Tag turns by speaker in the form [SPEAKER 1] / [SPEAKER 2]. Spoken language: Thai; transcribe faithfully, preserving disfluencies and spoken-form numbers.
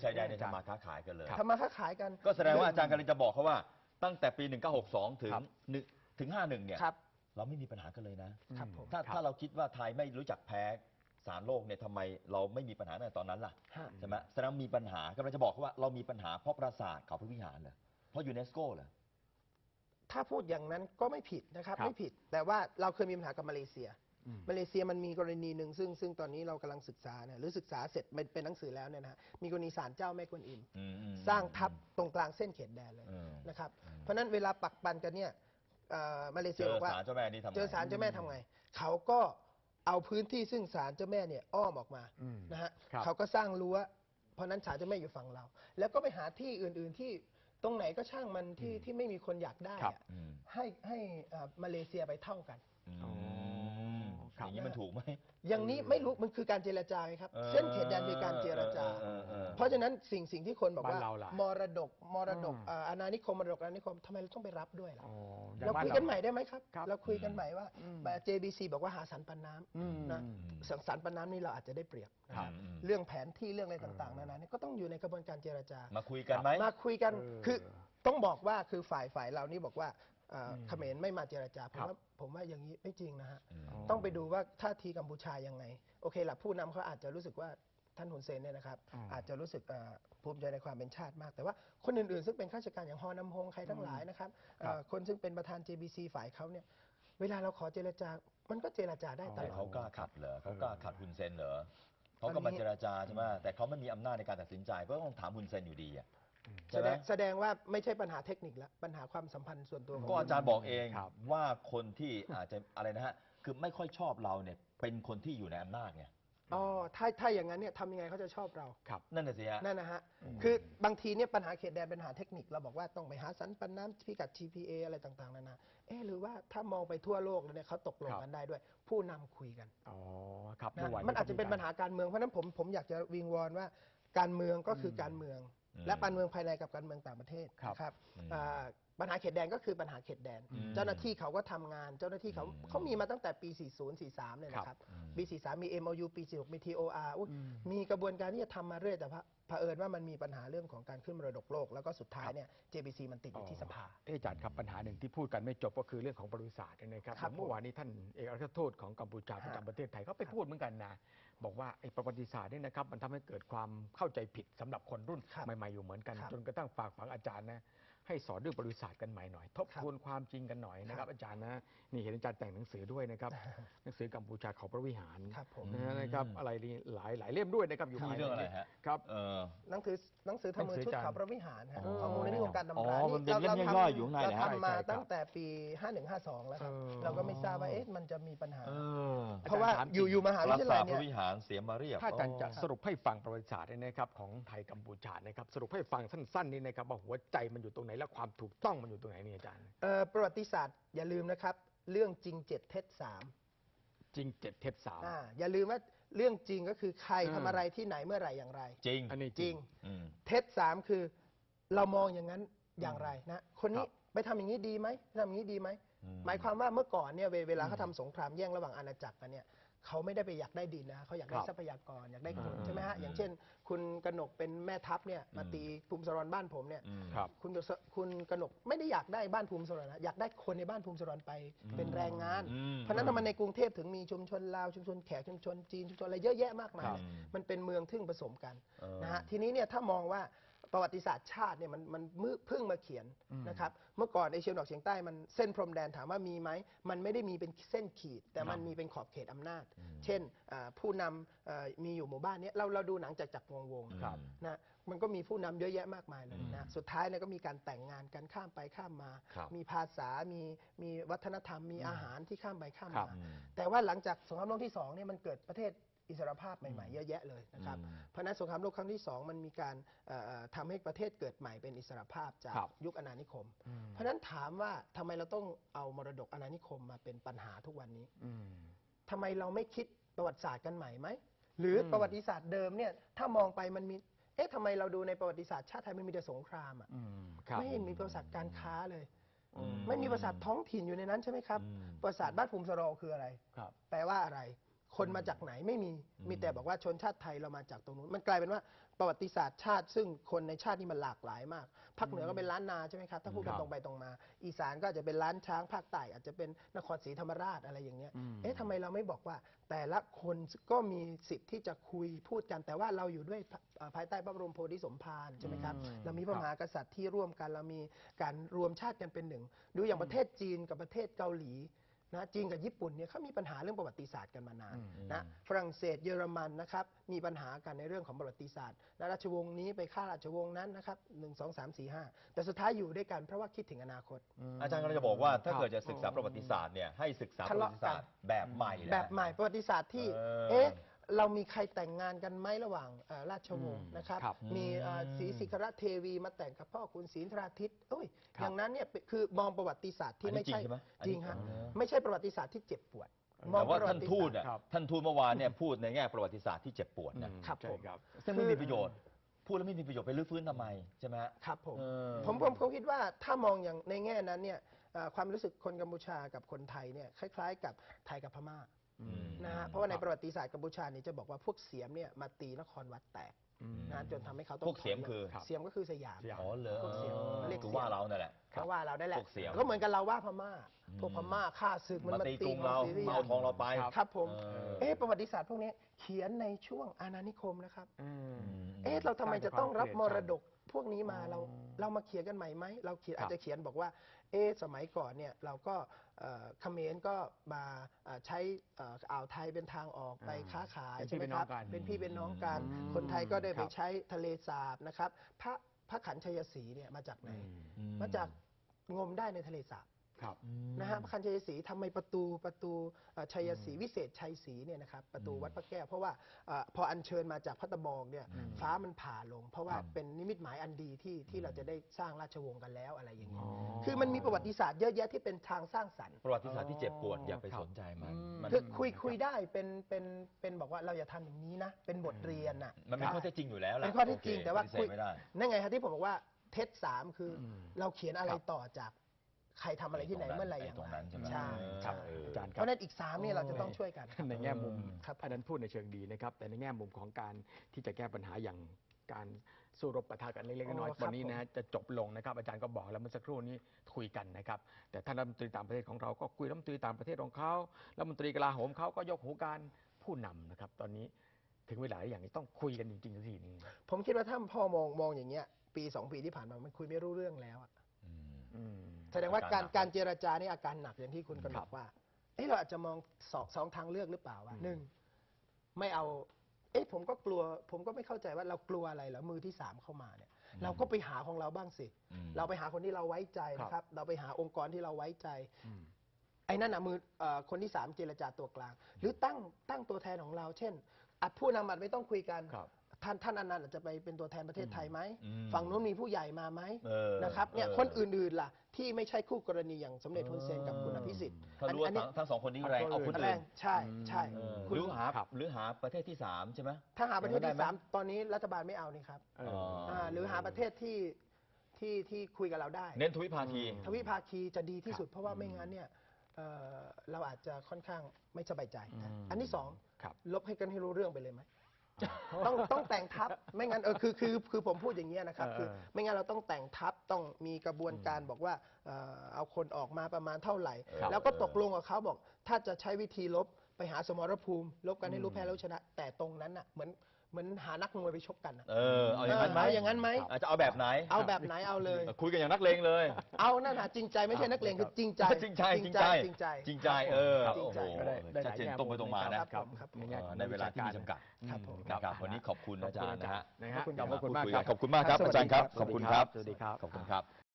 [SPEAKER 1] ชายแดนเนี่ยทำมาค้าขายกันเลย
[SPEAKER 2] ทำมาค้าขายกัน
[SPEAKER 1] ก็แสดงว่าอาจารย์กำลังจะบอกเขาว่าตั้งแต่ปีหนึ่งเก้าหกสองถึงถึงห้าหนึ่งเนี่ยเราไม่มีปัญหากันเลยนะถ้าถ้าเราคิดว่าไทยไม่รู้จักแพ้สารโลกเนี่ยทำไมเราไม่มีปัญหาในตอนนั้นล่ะใช่ไหมแสดงมีปัญหากำลังจะบอกเขาว่าเรามีปัญหาเพราะปราสาทเขาพระวิหารเหรอเพราะยูเนสโกเหรอ
[SPEAKER 2] ถ้าพูดอย่างนั้นก็ไม่ผิดนะครับไม่ผิดแต่ว่าเราเคยมีปัญหากับมาเลเซียมาเลเซียมันมีกรณีหนึ่งซึ่งซึ่งตอนนี้เรากำลังศึกษาเนี่ยหรือศึกษาเสร็จเป็นเป็นหนังสือแล้วเนี่ยนะมีกรณีศาลเจ้าแม่กวนอิมสร้างทับตรงกลางเส้นเขตแดนเลยนะครับเพราะนั้นเวลาปักปันกันเนี่ยมาเลเซียบอกว่าเจอศาลเจ้าแม่นี่ทำไงเจอศาลเจ้าแม่ทำไงเขาก็เอาพื้นที่ซึ่งศาลเจ้าแม่เนี่ยอ้อมออกมานะฮะเขาก็สร้างรั้วเพราะนั้นศาลเจ้าแม่อยู่ฝั่งเราแล้วก็ไปหาที่อื่นๆที่ตรงไหนก็ช่างมันที่ที่ไม่มีคนอยากได้ให้ให้มาเลเซียไปเท่ากัน
[SPEAKER 1] อย่างนี้มันถูกไหม
[SPEAKER 2] อย่างนี้ไม่รู้มันคือการเจรจาครับเส้นเขตแดนคือการเจรจาเพราะฉะนั้นสิ่งสิ่งที่คนบอกว่ามรดกมรดกอาณานิคมมรดกอาณานิคมทำไมเราต้องไปรับด้วยล่ะเราคุยกันใหม่ได้ไหมครับเราคุยกันใหม่ว่า เจ บี ซี บอกว่าหาสันปันน้ำนะสันปันน้ำนี่เราอาจจะได้เปรียบเรื่องแผนที่เรื่องอะไรต่างๆนานาก็ต้องอยู่ในกระบวนการเจรจา
[SPEAKER 1] มาคุยกันไหม
[SPEAKER 2] มาคุยกันคือต้องบอกว่าคือฝ่ายฝ่ายเรานี่บอกว่าเขมรไม่มาเจรจาผมว่าผมว่าอย่างนี้ไม่จริงนะฮะต้องไปดูว่าท่าทีกัมพูชายังไงโอเคละผู้นำเขาอาจจะรู้สึกว่าท่านฮุนเซนเนี่ยนะครับอาจจะรู้สึกภูมิใจในความเป็นชาติมากแต่ว่าคนอื่นๆซึ่งเป็นข้าราชการอย่างฮอนำฮงใครทั้งหลายนะครับคนซึ่งเป็นประธาน เจ บี ซี ฝ่ายเขาเนี่ยเวลาเราขอเจรจามันก็เจรจาได้ตลอด
[SPEAKER 1] เขากล้าขัดเหรอเขากล้าขัดฮุนเซนเหรอเขาก็มาเจรจาใช่ไหมแต่เขาไม่มีอำนาจในการตัดสินใจก็ต้องถามฮุนเซนอยู่ดีอ่ะ
[SPEAKER 2] แสดงแสดงว่าไม่ใช่ปัญหาเทคนิคแล้วปัญหาความสัมพันธ์ส่วนตัว
[SPEAKER 1] ก็อาจารย์บอกเองว่าคนที่อาจจะอะไรนะฮะคือไม่ค่อยชอบเราเนี่ยเป็นคนที่อยู่ในอำนาจไง
[SPEAKER 2] อ๋อถ้าถ้าอย่างนั้นเนี่ยทำยังไงเขาจะชอบเรา
[SPEAKER 1] ครับนั่นน่ะสิฮะ
[SPEAKER 2] นั่นนะฮะคือบางทีเนี่ยปัญหาเขตแดนเป็นปัญหาเทคนิคเราบอกว่าต้องไปหาสันปันน้ำพิกัด ที พี เอ อะไรต่างๆนานาเอ๊ะหรือว่าถ้ามองไปทั่วโลกแล้วเนี่ยเขาตกลงกันได้ด้วยผู้นำคุยกัน
[SPEAKER 3] อ๋อครับ
[SPEAKER 2] มันอาจจะเป็นปัญหาการเมืองเพราะนั้นผมผมอยากจะวิงวอนว่าการเมืองก็คือการเมืองและการเมืองภายในกับการเมืองต่างประเทศครับปัญหาเขตแดนก็คือปัญหาเขตแดนเจ้าหน้าที่เขาก็ทำงานเจ้าหน้าที่เขาเขามีมาตั้งแต่ปี สี่สิบ สี่สิบสาม เลยนะครับปี สี่สิบสาม มี เอ็ม โอ ยู ปี สี่สิบหก มี ที โอ อาร์ มีกระบวนการที่จะทำมาเรื่อยแต่เผอิญว่ามันมีปัญหาเรื่องของการขึ้นมรดกโลกแล้วก็สุดท้ายเนี่ย เจ บี ซี มันติดอยู่ที่สภา
[SPEAKER 3] อาจารย์ครับปัญหาหนึ่งที่พูดกันไม่จบก็คือเรื่องของประวัติศาสตร์นะครับเมื่อวานนี้ท่านเอกอัครทูตของกัมพูชาประจำประเทศไทยเขาไปพูดเหมือนกันนะบอกว่าไอ้ประวัติศาสตร์นี่นะครับมันทำให้เกิดความเข้าใจผิดสำหรับคนรุ่นใหม่ๆอยู่เหมือนกันจนกระทั่งฝากฝังอาจารย์นะให้สอนเรื่องประวัติศาสตร์กันใหม่หน่อยทบทวนความจริงกันหน่อยนะครับอาจารย์นะนี่เห็นอาจารย์แต่งหนังสือด้วยนะครับหนังสือกัมพูชาเขาพระวิหารนะครับอะไรนี่หลายหลายเล่มด้วยนะครับอยู่
[SPEAKER 1] ที่เรื่องอะไรฮะ
[SPEAKER 3] ครับ
[SPEAKER 2] หนังสือหนังสือทำมือชุดเขาพระวิหารข้อมูลในวงการตำรา
[SPEAKER 1] นี่เราทำอยู่ใน
[SPEAKER 2] เราทำมาตั้งแต่ปีห้าสิบเอ็ด ห้าสิบสองแล้วครับเราก็ไม่ทราบว่าเอ๊ะมันจะมีปัญหาเพราะว่าอยู่อยู่มหาวิทยาลัยเนี่ย
[SPEAKER 1] พระวิหารเสียมาเรียบ
[SPEAKER 3] ถ้าอาจารย์จะสรุปให้ฟังประวัติศาสตร์นะครับของไทยกัมพูชานะครับสรุปให้ฟังสั้นๆนี่นะครับว่าหัวใจมันอยู่ตรงไหนและความถูกต้องมันอยู่ตรงไหนนี่อาจารย์
[SPEAKER 2] ประวัติศาสตร์อย่าลืมนะครับเรื่องจริงเจ็ดเท็จสาม
[SPEAKER 3] จริงเจ็ดเท็จสาม
[SPEAKER 2] อย่าลืมว่าเรื่องจริงก็คือใครทำอะไรที่ไหนเมื่อไหร่อย่างไร
[SPEAKER 1] จริง
[SPEAKER 2] อันนี้จริงเท็จสามคือเรามองอย่างนั้นอย่างไรนะคนนี้ไปทำอย่างนี้ดีไหมทำอย่างนี้ดีไหมหมายความว่าเมื่อก่อนเนี่ยเวลาเขาทำสงครามแย่งระหว่างอาณาจักรกันเนี่ยเขาไม่ได้ไปอยากได้ดินนะเขาอยากได้ทรัพยากรอยากได้คนใช่ไหมฮะอย่างเช่นคุณกนกเป็นแม่ทัพเนี่ยมาตีภูมิสรบ้านผมเนี่ยคุณคุณกนกไม่ได้อยากได้บ้านภูมิสรนะอยากได้คนในบ้านภูมิสรไปเป็นแรงงานเพราะนั้นทำไมในกรุงเทพถึงมีชุมชนลาวชุมชนแขกชุมชนจีนชุมชนอะไรเยอะแยะมากมายมันเป็นเมืองทึ่งผสมกันนะฮะทีนี้เนี่ยถ้ามองว่าประวัติศาสตร์ชาติเนี่ยมันมันเพิ่งมาเขียนนะครับเมื่อก่อนเอเชียตะวันออกเฉียงใต้มันเส้นพรมแดนถามว่ามีไหมมันไม่ได้มีเป็นเส้นขีดแต่มันมีเป็นขอบเขตอำนาจเช่นผู้นำมีอยู่หมู่บ้านนี้เราเราดูหนังจากจักรวงวงนะมันก็มีผู้นำเยอะแยะมากมายเลยนะสุดท้ายเนี่ยก็มีการแต่งงานกันข้ามไปข้ามมามีภาษามีมีวัฒนธรรมมีอาหารที่ข้ามไปข้ามมาแต่ว่าหลังจากสงครามโลกที่สองเนี่ยมันเกิดประเทศอิสรภาพใหม่ๆเยอะแยะเลยนะครับเพราะนั้นสงครามโลกครั้งที่สองมันมีการทำให้ประเทศเกิดใหม่เป็นอิสรภาพจากยุคอาณานิคมเพราะนั้นถามว่าทำไมเราต้องเอามรดกอาณานิคมมาเป็นปัญหาทุกวันนี้ทำไมเราไม่คิดประวัติศาสตร์กันใหม่ไหมหรือประวัติศาสตร์เดิมเนี่ยถ้ามองไปมันมีเอ๊ะทำไมเราดูในประวัติศาสตร์ชาติไทยมันมีแต่สงครามอ่ะไม่เห็นมีประวัติศาสตร์การค้าเลยไม่มีประวัติศาสตร์ท้องถิ่นอยู่ในนั้นใช่ไหมครับประวัติศาสตร์บ้านภูมิสโรคืออะไรแปลว่าอะไรคนมาจากไหนไม่มีมีแต่บอกว่าชนชาติไทยเรามาจากตรงนู้นมันกลายเป็นว่าประวัติศาสตร์ชาติซึ่งคนในชาตินี่มันหลากหลายมากภาคเหนือก็เป็นล้านนาใช่ไหมครับถ้าพูดกัน
[SPEAKER 3] ครับ
[SPEAKER 2] ตรงไปตรงมา อีสานก็อาจจะเป็นล้านช้างภาคใต้อาจจะเป็นนครศรีธรรมราชอะไรอย่างเงี้ย
[SPEAKER 3] อืม
[SPEAKER 2] เอ๊ะทำไมเราไม่บอกว่า แต่ละคนก็มีสิทธิ์ที่จะคุยพูดกัน แต่ว่าเราอยู่ด้วยเอ่อภายใต้พระบรมโพธิสมภารใช่ไหมครับ
[SPEAKER 3] อืม
[SPEAKER 2] เรามีพระมหากษัตริย์ที่ร่วมกันเรามีการรวมชาติกันเป็นหนึ่ง ดูอย่างประเทศจีนกับประเทศเกาหลีนะจีนกับญี่ปุ่นเนี่ยเขามีปัญหาเรื่องประวัติศาสตร์กันมานาน
[SPEAKER 3] อืม
[SPEAKER 2] นะฝรั่งเศสเยอรมันนะครับมีปัญหากันในเรื่องของประวัติศาสตร์และราชวงศ์นี้ไปฆ่าราชวงศ์นั้นนะครับหนึ่งสองสามสี่ห้าแต่สุดท้ายอยู่ด้วยกันเพราะว่าคิดถึงอนาคต
[SPEAKER 1] อาจารย์ก็จะบอกว่าถ้า
[SPEAKER 3] ครับ
[SPEAKER 1] เกิดจะศึกษาประวัติศาสตร์เนี่ยให้ศึกษาประวัติศาสตร์แบบใหม่นะ
[SPEAKER 2] แบบใหม่ประวัติศาสตร์ที่
[SPEAKER 1] เออ
[SPEAKER 2] เอ๊ะเรามีใครแต่งงานกันไหมระหว่างเอ่อราชวงศ์
[SPEAKER 3] อืม
[SPEAKER 2] นะครับ
[SPEAKER 3] ครับ
[SPEAKER 2] มีเอ่อ
[SPEAKER 1] อืม
[SPEAKER 2] ศรีสิขรเทวีมาแต่งกับพ่อคุณศรีนทราทิตย์เอ้ย
[SPEAKER 3] ครับ
[SPEAKER 2] อย่างนั้นเนี่ยคือมองประวัติศาสตร์ที่
[SPEAKER 1] อันนี้
[SPEAKER 2] ไม่ใช่
[SPEAKER 1] จริงใช่ไหมอันนี้
[SPEAKER 2] จริงฮะ
[SPEAKER 1] อ๋อ
[SPEAKER 2] ไม่ใช่ประวัติศาสตร์ที่เจ็บปวด
[SPEAKER 1] แต่ว่า
[SPEAKER 2] ประ
[SPEAKER 1] ท่าน
[SPEAKER 2] ติศ
[SPEAKER 1] ทูต
[SPEAKER 2] สตร์
[SPEAKER 1] อ่ะ
[SPEAKER 3] ครับ
[SPEAKER 1] ท่านทูตเมื่อวานเนี่ยพูดในแง่ประวัติศาสตร์ที่เจ็บปวดนะ
[SPEAKER 3] อืม
[SPEAKER 2] ครับ
[SPEAKER 3] ใช่
[SPEAKER 2] ผม
[SPEAKER 3] ครับ
[SPEAKER 1] ซึ่งไม่มีประโยชน์ พูดแล้วไม่มีประโยชน์ไปรื้อฟื้นทำไมใช่ไหมฮะ
[SPEAKER 2] ครับผม
[SPEAKER 1] เออ
[SPEAKER 2] ผมผมผมคิดว่าถ้ามองอย่างในแง่นั้นเนี่ยเอ่อความรู้สึกคนกัมพูชากับคนไทยเนี่ยคล้ายๆ กับไทยกับพม่า
[SPEAKER 3] อืม
[SPEAKER 2] นะฮะเพราะว่าในประวัติศาสตร์กัมพูชาเนี่ยจะบอกว่าพวกเสียมเนี่ยมาตีนครวัดแตก
[SPEAKER 3] อืม
[SPEAKER 2] นะจนทำให้เขาต้อง
[SPEAKER 1] พวกเสียมคือ
[SPEAKER 2] เสียมก็คือสยาม
[SPEAKER 3] สยาม
[SPEAKER 1] อ๋อเหรอ
[SPEAKER 2] พวกเสียงเรียก
[SPEAKER 1] คือ
[SPEAKER 2] เสียง
[SPEAKER 1] ว่าเรานั่นแหละ
[SPEAKER 2] เขาว่าเราได้แหละ
[SPEAKER 1] พวกเสียม
[SPEAKER 2] ก็เหมือนกันเราว่าพม่า
[SPEAKER 1] อืม
[SPEAKER 2] พวกพม่าฆ่าศึกมัน
[SPEAKER 1] มา
[SPEAKER 2] มา
[SPEAKER 1] ตี
[SPEAKER 2] ตี
[SPEAKER 1] กรุงเรา
[SPEAKER 2] ซีรีส์
[SPEAKER 1] มาเอาทองเราไป
[SPEAKER 2] ครับผม
[SPEAKER 1] เออ
[SPEAKER 2] เอ๊ะประวัติศาสตร์พวกนี้เขียนในช่วงอาณานิคมนะครับ
[SPEAKER 3] อืม
[SPEAKER 2] เอ๊ะเราทำไมจะต้องรับมรดกพวกนี้มา
[SPEAKER 3] อ๋อ
[SPEAKER 2] เราเรามาเขียนกันใหม่ไหมเราเขียน
[SPEAKER 3] ครับ
[SPEAKER 2] อาจจะเขียนบอกว่าเอ๊ะสมัยก่อนเนี่ยเราก็เอ่อเขมรก็มาเอ่อใช้เอ่ออ่าวไทยเป็นทางออกไป
[SPEAKER 3] อ่า
[SPEAKER 2] ค้าขาย
[SPEAKER 3] เป็นพี่
[SPEAKER 2] ใช่ไหม
[SPEAKER 3] เป็น
[SPEAKER 2] ค
[SPEAKER 3] น้อ
[SPEAKER 2] รั
[SPEAKER 3] งกัน
[SPEAKER 2] เป็นพี่เป็นน้องกัน
[SPEAKER 3] อืม
[SPEAKER 2] คนไทยก็ได้
[SPEAKER 3] ค
[SPEAKER 2] ไป
[SPEAKER 3] รับ
[SPEAKER 2] ใช้ทะเลสาบนะครับพระพระขันชัยศรีเนี่ยมาจากไหน
[SPEAKER 3] อืม
[SPEAKER 2] มาจากงมได้ในทะเลสาบ
[SPEAKER 3] ครับ
[SPEAKER 2] นะฮะพระคันชัยศรีทำไมประตูประตูเอ่อชัยศรีวิเศษชัยศรีเนี่ยนะครับประตูวัดพระแก้วเพราะว่าเอ่อพออัญเชิญมาจากพระตะบองเนี่ย
[SPEAKER 3] อืม
[SPEAKER 2] ฟ้ามันผ่าลง เพราะว่า
[SPEAKER 3] ครับ
[SPEAKER 2] เป็นนิมิตหมายอันดีที่ที่เราจะได้สร้างราชวงศ์กันแล้วอะไรอย่างเงี้
[SPEAKER 3] อ๋
[SPEAKER 2] ย
[SPEAKER 3] อ
[SPEAKER 2] คือมันมีประวัติศาสตร์เยอะแยะที่เป็นทางสร้างสรรค์
[SPEAKER 1] ประวัติศาสตร์ที่เจ็บปวดอย่าไป
[SPEAKER 3] ครับ
[SPEAKER 1] สนใจมัน
[SPEAKER 3] อืม
[SPEAKER 1] มัน
[SPEAKER 2] คือคุยคุยได้เป็นเป็นเป็นบอกว่าเราอย่าทำอย่างนี้นะ เป็นบทเรียนน่ะ
[SPEAKER 1] มันเป็นข้อเท็จจริงอยู่แล้วแหละ
[SPEAKER 2] เป็นข้อเท็จจริง
[SPEAKER 1] โอเค
[SPEAKER 2] แต่ว่า
[SPEAKER 1] ปฏิเส
[SPEAKER 2] คุ
[SPEAKER 1] ธ
[SPEAKER 2] ย
[SPEAKER 1] ไม่ได้
[SPEAKER 2] นั่นไงครับที่ผมบอกว่าเท็จสามคืออ
[SPEAKER 3] ม
[SPEAKER 2] เราเขียนอะไร
[SPEAKER 3] ครับ
[SPEAKER 2] ต่อจากใครทำอะไรที่ไหนเมื่อไหร่อย่าง
[SPEAKER 1] ตรง
[SPEAKER 2] ไร
[SPEAKER 1] นั้นใช่ไหม
[SPEAKER 2] ใช่
[SPEAKER 1] ค
[SPEAKER 2] ค
[SPEAKER 1] รั
[SPEAKER 2] รั
[SPEAKER 1] บบ เออ
[SPEAKER 3] อาจารย์ค
[SPEAKER 2] เพ
[SPEAKER 3] รับ
[SPEAKER 2] ราะฉะนั้นอีกสามเนี่ยเราจะต้องช่วยกัน
[SPEAKER 3] ในแง่มุม
[SPEAKER 2] ครับ
[SPEAKER 3] อันนั้นพูดในเชิงดีนะครับ แต่ในแง่มุมของการที่จะแก้ปัญหาอย่างการสู้รบปะทะกันเล็กๆน้อย
[SPEAKER 2] อ๋อ
[SPEAKER 3] ๆตอนนี้
[SPEAKER 2] ครับ
[SPEAKER 3] นะจะจบลงนะครับ อาจารย์ก็บอกแล้วเมื่อสักครู่นี้คุยกันนะครับ แต่ท่านรัฐมนตรีต่างประเทศของเราก็คุยรัฐมนตรีต่างประเทศของเขารัฐมนตรีกลาโหมเขาก็ยกหูการผู้นำนะครับ ตอนนี้ถึงเวลาอย่างนี้ต้องคุยกันจริงๆสักทีหนึง
[SPEAKER 2] ผมคิดว่าถ้าพ่อมองมองอย่างเงี้ยปีสองปีที่ผ่านมามันคุยไม่รู้เรื่องแล้วอะ
[SPEAKER 1] อืม
[SPEAKER 3] อืม
[SPEAKER 2] แสดงว่าการ
[SPEAKER 1] อาการหนัก
[SPEAKER 2] การเจรจานี่อาการหนักอย่างที่คุณกำหน
[SPEAKER 3] ครั
[SPEAKER 2] ด
[SPEAKER 3] บ
[SPEAKER 2] ว่าเอ้เราอาจจะมองสองสองทางเลือกหรือเปล่าว่า
[SPEAKER 3] อืม
[SPEAKER 2] หนึ่งไม่เอา เอ๊ะผมก็กลัว ผมก็ไม่เข้าใจว่าเรากลัวอะไรเหรอมือที่สามเข้ามาเนี่ย เราก็ไปหาของเราบ้างสิ
[SPEAKER 1] อืม
[SPEAKER 2] เราไปหาคนที่เราไว้ใจนะครับ เราไปหาองค์กรที่เราไว้ใจ
[SPEAKER 3] อืม
[SPEAKER 2] ไอ้นั่นน่ะมือเอ่อคนที่สามเจรจาตัวกลาง หรือตั้งตั้งตัวแทนของเรา เช่นอัดผู้นำอัดไม่ต้องคุยกัน
[SPEAKER 3] ครับ
[SPEAKER 2] ท่านท่านอนันต์อาจจะไปเป็นตัวแทนประเทศไทยไหม
[SPEAKER 1] อืม
[SPEAKER 2] ฝั่งนู้นมีผู้ใหญ่มาไหม
[SPEAKER 1] เออ
[SPEAKER 2] นะครับเนี่ย
[SPEAKER 1] เออ
[SPEAKER 2] คนอื่นๆล่ะ ที่ไม่ใช่คู่กรณีอย่างสมเด็จฮุนเซนกับคุณอภิสิทธิ์
[SPEAKER 1] ถ้ารู้ว่าทั้งทั้งสองคนนี้แรงเอาคน
[SPEAKER 2] แร
[SPEAKER 1] อื่น
[SPEAKER 2] งใช่ใช่
[SPEAKER 1] เออ
[SPEAKER 2] คุณ
[SPEAKER 1] หรือหา
[SPEAKER 3] ครับ
[SPEAKER 1] หรือหาประเทศที่สามใช่ไหม
[SPEAKER 2] ถ้าหาประเทศ
[SPEAKER 1] ได้
[SPEAKER 2] ที่
[SPEAKER 1] ไหม
[SPEAKER 2] สามตอนนี้รัฐบาลไม่เอานี่ครับ
[SPEAKER 3] เออ
[SPEAKER 2] อ่าหรือหาประเทศที่ที่ที่คุยกับเราได้
[SPEAKER 1] เน้นทวิภาคี
[SPEAKER 3] อืม
[SPEAKER 2] ทวิภาคีจะดีที่สุด
[SPEAKER 3] ครับ
[SPEAKER 2] เพราะว่าไม่งั้นเนี่ยเอ่อเราอาจจะค่อนข้างไม่สบายใจ
[SPEAKER 3] อืม
[SPEAKER 2] อันที่สอง
[SPEAKER 3] ครับ
[SPEAKER 2] ลบให้กันให้รู้เรื่องไปเลยไหม ต้องต้องแต่งทัพไม่งั้นเออคือคือคือผมพูดอย่างเงี้ยนะครับ
[SPEAKER 3] เออ
[SPEAKER 2] คือไม่งั้นเราต้องแต่งทัพต้องมีกระบวนการบอกว่าเอ่อเอาคนออกมาประมาณเท่าไหร่
[SPEAKER 1] ครับ
[SPEAKER 2] แล้วก็ตกลงกับเขาบอก ถ้าจะใช้วิธีลบไปหาสมรภูมิ ลบกันให้รู้แพ้รู้ชนะ แต่ตรงนั้นน่ะเหมือนเหมือนหานักมวยไปชกกันน่ะ
[SPEAKER 1] เออเอาอย่างนั้นไหม
[SPEAKER 2] เออเอาอย่างนั้นไหม
[SPEAKER 1] อาจจะเอาแบบไหน
[SPEAKER 2] เอาแบบไหนเอาเลย
[SPEAKER 1] คุยกันอย่างนักเลงเลย
[SPEAKER 2] เอานั่นน่ะจริงใจไม่ใช่นักเลงคือจริงใจ
[SPEAKER 1] จริงใจจริงใจ
[SPEAKER 2] จริงใจ
[SPEAKER 1] จริงใจเออ
[SPEAKER 2] จริงใจ
[SPEAKER 1] โอ้โห
[SPEAKER 3] ก็ได้ได้ห
[SPEAKER 1] ชัด
[SPEAKER 3] ลาย
[SPEAKER 1] เจน
[SPEAKER 3] แง่
[SPEAKER 1] ตรงไปตรงมานะ
[SPEAKER 2] ครับผมครับผม
[SPEAKER 3] ในแง่ของ
[SPEAKER 1] ในเวลาที่มีจำกัด
[SPEAKER 2] ครับผม
[SPEAKER 1] ครับวันนี้ขอบคุณอาจารย์นะฮะ
[SPEAKER 3] นะฮะ
[SPEAKER 2] ขอบคุณ
[SPEAKER 3] ขอบพระคุณ
[SPEAKER 1] พูด
[SPEAKER 3] มาก
[SPEAKER 1] คุย
[SPEAKER 3] ค
[SPEAKER 1] กั
[SPEAKER 3] รั
[SPEAKER 1] น
[SPEAKER 3] บ
[SPEAKER 1] ขอบคุณมากครับ
[SPEAKER 2] ครับ
[SPEAKER 1] อาจารย์ครับ
[SPEAKER 2] สวัสดีครับ
[SPEAKER 1] ขอบคุณครับ
[SPEAKER 3] สวัสดีครับ
[SPEAKER 1] ขอบคุณครับ